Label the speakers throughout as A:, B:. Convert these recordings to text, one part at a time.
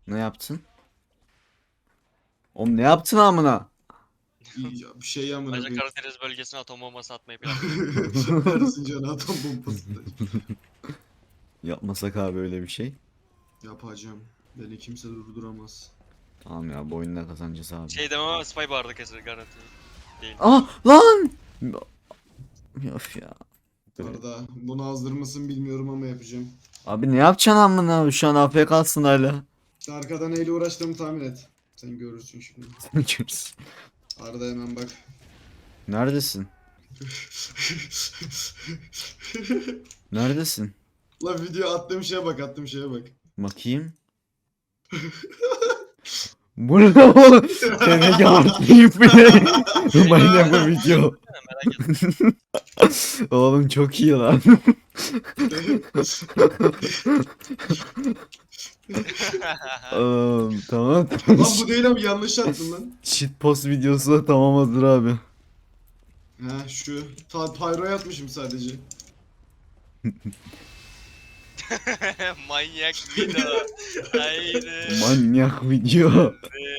A: Ne yaptın? Oğlum ne yaptın amına?
B: Bir şey amına
C: Ayrıca
B: koyayım.
C: Karadeniz bölgesine atom bombası atmayı planlıyorum.
B: Erzincan atom bombası da
A: Yapmasak abi öyle bir şey.
B: yapacağım. Beni kimse durduramaz.
A: Tamam ya, bu oyunda kazanacağız abi.
C: Şey demem ama Spy barda keser garanti. Değil.
A: Ah lan! Of ya.
B: Arda bunu hazır mısın bilmiyorum ama yapacağım.
A: Abi ne yapacaksın amına? Şu an AFK'sın hala.
B: Arkadan neyle uğraştığımı tahmin et. Sen görürsün şimdi.
A: Görürüz.
B: Arda hemen bak.
A: Neredesin? Neredesin?
B: La video attığım şeye bak, attığım şeye bak.
A: Bakayım. Bu ne oğlum? Seni yapayım bile. Bana bu video.
C: Merak etme.
A: Oğlum çok iyi lan. Tamam.
B: Lan bu değil ama yanlış attın lan.
A: Shitpost videosu da tamam hazır abi.
B: Ha şu pyro'ya atmışım sadece.
C: Manyak video. Haydi.
A: Manyak video.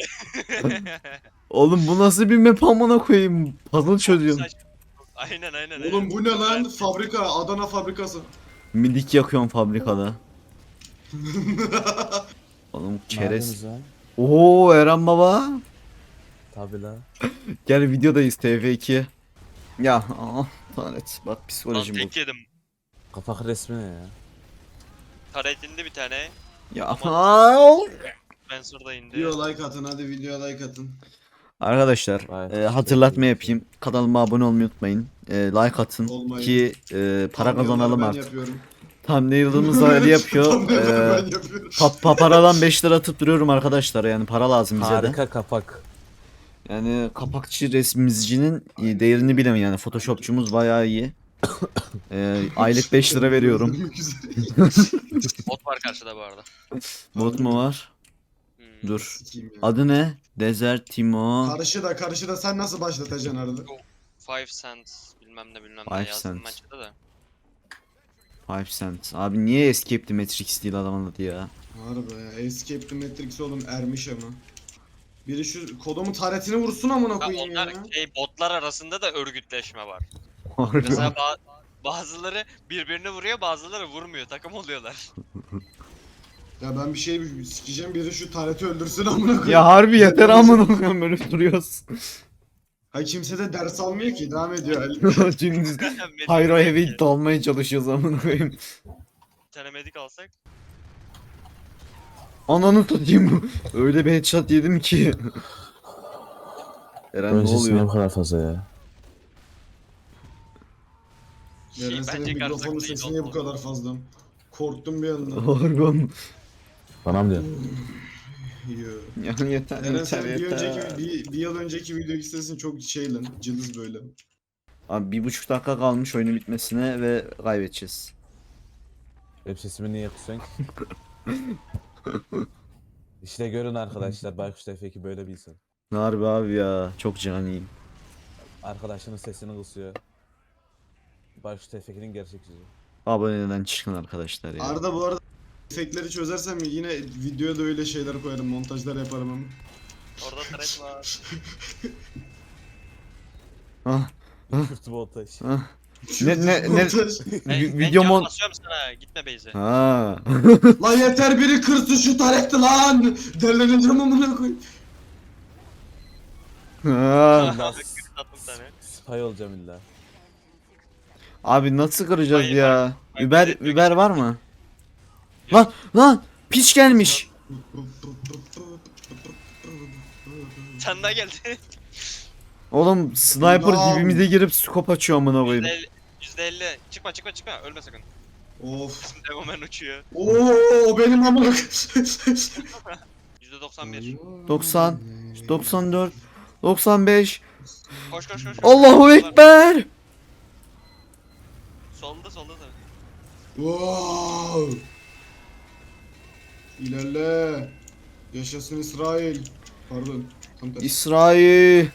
A: Oğlum bu nasıl bir map amına koyayım? Puzzle çözüyorum.
C: Aynen.
B: Oğlum bu ne lan? Fabrika, Adana fabrikası.
A: Midik yakıyorum fabrikada. Oğlum çerez.
D: Neredeniz lan?
A: Oo Eren baba.
D: Tabi la.
A: Gel videodayız TF2. Ya lanet bak
C: Lan
A: psikolojim bu.
C: tek yedim.
D: Kapak resmi ne ya?
C: Taret indi bir tane.
A: Ya
C: Spencer da indi.
B: Video like atın hadi video like atın.
A: arkadaşlar
D: Vay,
A: hatırlatma
D: şey.
A: yapayım. Kanalıma abone olmayı unutmayın. Like atın
B: Olmayın.
A: ki para kazanalım
B: Ben
A: artık.
B: yapıyorum.
A: Thumbnail'ımız öyle yapıyor.
B: Thumbnail'ları ben yapıyorum.
A: Paradan 5 lira atıp duruyorum arkadaşlar, yani para lazım bize de.
D: Harika kapak.
A: Yani kapakçı resmizcinin değerini bilemem, yani photoshopçumuz bayağı iyi. Aylık 5 lira veriyorum.
C: Bot var karşıda bu arada.
A: Bot mu var? Dur.
B: Sikeyim ya.
A: Adı ne? Desert Timo.
B: Karşı da sen nasıl başlatacaksın arada?
C: 5 cents bilmem ne
A: 5
C: yazdım
A: cent.
C: maçta da.
A: 5 cent. Abi niye Escape the Matrix değil adamın adı ya?
B: Harbi ya. Escape the Matrix oğlum ermiş ama. Biri şu kodumun taretini vursun amına
C: Ya
B: koyayım ya.
C: onlar botlar arasında da örgütleşme var.
A: Harbi.
C: Mesela bazıları birbirini vuruyor, bazıları vurmuyor. Takım oluyorlar.
B: Ya ben bir şey sikeceğim, biri şu tareti öldürsün amına koyayım.
A: Ya harbi yeter amına koyayım, böyle duruyoruz.
B: Hay kimse de ders almıyor ki, devam ediyor Ali.
A: Şimdi
C: Medik
A: Hayro
C: alsak
A: eve
C: ya.
A: dalmaya çalışıyoruz amına koyayım.
C: Bir tane medik alsak.
A: Ananı satayım. Öyle bir headshot yedim ki. Eren ne
D: Ön sesi niye bu
A: oluyor?
D: kadar fazla ya?
B: Eren senin
C: Bence
B: mikrofonun
C: karşılıklı
B: sesi niye bu kadar fazla? Korktum bir anda.
A: Harbi.
D: Bana mı diyorsun?
B: Yo.
A: Ya yeter
B: Eren
A: yeter
B: senin bir
A: yeter.
B: önceki bir yıl önceki videoki sesin çok şey lan, cılız böyle.
A: Abi 1,5 dakika kalmış oyunun bitmesine ve kaybedeceğiz.
D: Web sesimi niye kısıyorsun ki? İşte görün arkadaşlar, Baykuş Tevfik'i böyle bir insan.
A: Harbi abi ya, çok caniyim.
D: Arkadaşının sesini kısıyor. Baykuş Tevfik'in gerçek yüzü.
A: Aboneden çıkın arkadaşlar ya.
B: Arda bu arada efektleri çözersem yine videoya da öyle şeyler koyarım, montajlar yaparım ama.
C: Orada taret var.
A: Ah,
D: Kürt montaj.
A: ah. Ne
B: Montaj.
A: video
C: can
A: mon...
C: basıyorum sana. Gitme Beyze.
A: Ha.
B: Lan yeter, biri kırsın şu tareti lan! Derleneceğim amına koyayım.
A: Ha.
C: Tatlım tane.
D: Spy olacağım illa.
A: Abi nasıl kıracağız
C: Hayır,
A: ya?
C: hayır.
A: Uber var mı? Lan piç gelmiş.
C: Sen daha geldi.
A: Oğlum sniper
B: Lan.
A: dibimize girip scope açıyor amına koyayım.
C: %50. Çıkma. Ölme sakın.
B: Of.
C: Bizim Degomen uçuyor.
B: Oo benim amına
C: %91.
A: 90, 94, 95.
C: Koş.
A: Allahu ekber.
C: Solda da.
B: Wow. İlerle. Yaşasın İsrail. Pardon. Tam tersi.
A: İsrail.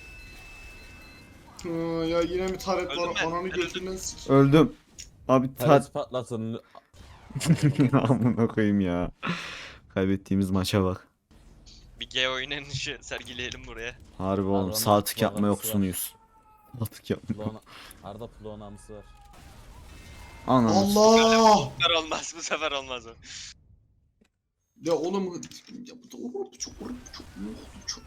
B: Ya yine mi taret
C: Öldüm
B: var?
C: ben,
B: Ananı
C: ben
B: götünden sik.
A: Öldüm. Abi
D: Taret patlatın.
A: amına koyayım ya. Kaybettiğimiz maça bak.
C: Bir G oynanışı sergileyelim buraya.
A: Harbi oğlum
D: Arada
A: sağ tık yapma
D: programı
A: yoksunuyuz. Sağ tık yapma.
D: Plona, Arda plonamısı var.
A: Ananı
B: Allah!
C: Bu sefer olmaz, bu sefer olmaz o.
B: Ya oğlum ya bu da çok.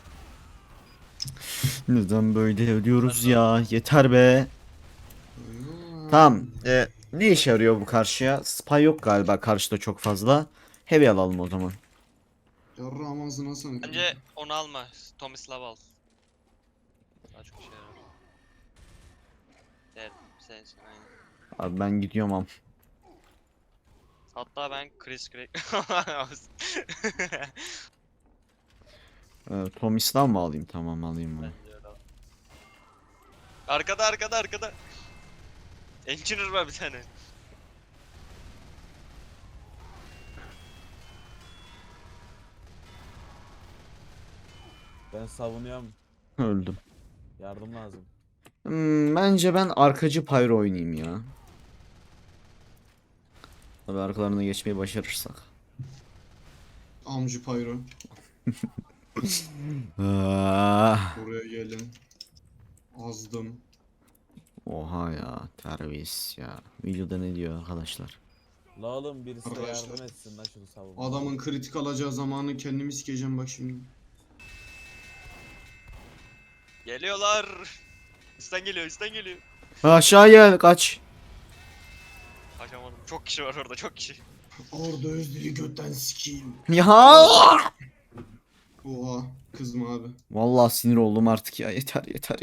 A: neden böyle ölüyoruz ya? Yeter be. Tamam. Ne işe yarıyor bu karşıya? Spy yok galiba karşıda çok fazla. Heavy alalım o zaman.
B: Yarrağım ağzına sana.
C: Bence onu alma. Tomislav al. Daha çok şey yarar. Evet, sensin aynen.
A: Abi ben gidiyorum am.
C: Hatta ben Chris Craig...
A: Tomislav mı alayım? Tamam alayım bunu.
C: Arkada. Engineer var bir tane.
D: Ben savunuyorum.
A: Öldüm.
D: Yardım lazım.
A: Bence ben arkacı pyro oynayayım ya. Tabii arkalarına geçmeyi başarırsak.
B: Amcı Pyro.
A: Ah,
B: Buraya gelin. Azdım.
A: oha ya terbiyesiz ya. Videoda ne diyor arkadaşlar?
D: La oğlum birisi de
B: Arkadaşlar.
D: yardım etsin lan şunu savunma.
B: Adamın kritik alacağı zamanı kendimi sikeceğim bak şimdi.
C: Geliyorlar. Üstten geliyor.
A: Aşağı gel kaç.
C: Kaçamadım. Çok kişi var orada, çok kişi.
B: Orada Özdil'i götten sikeyim.
A: Ya.
B: Oha kızma abi.
A: Vallahi sinir oldum artık ya. Yeter.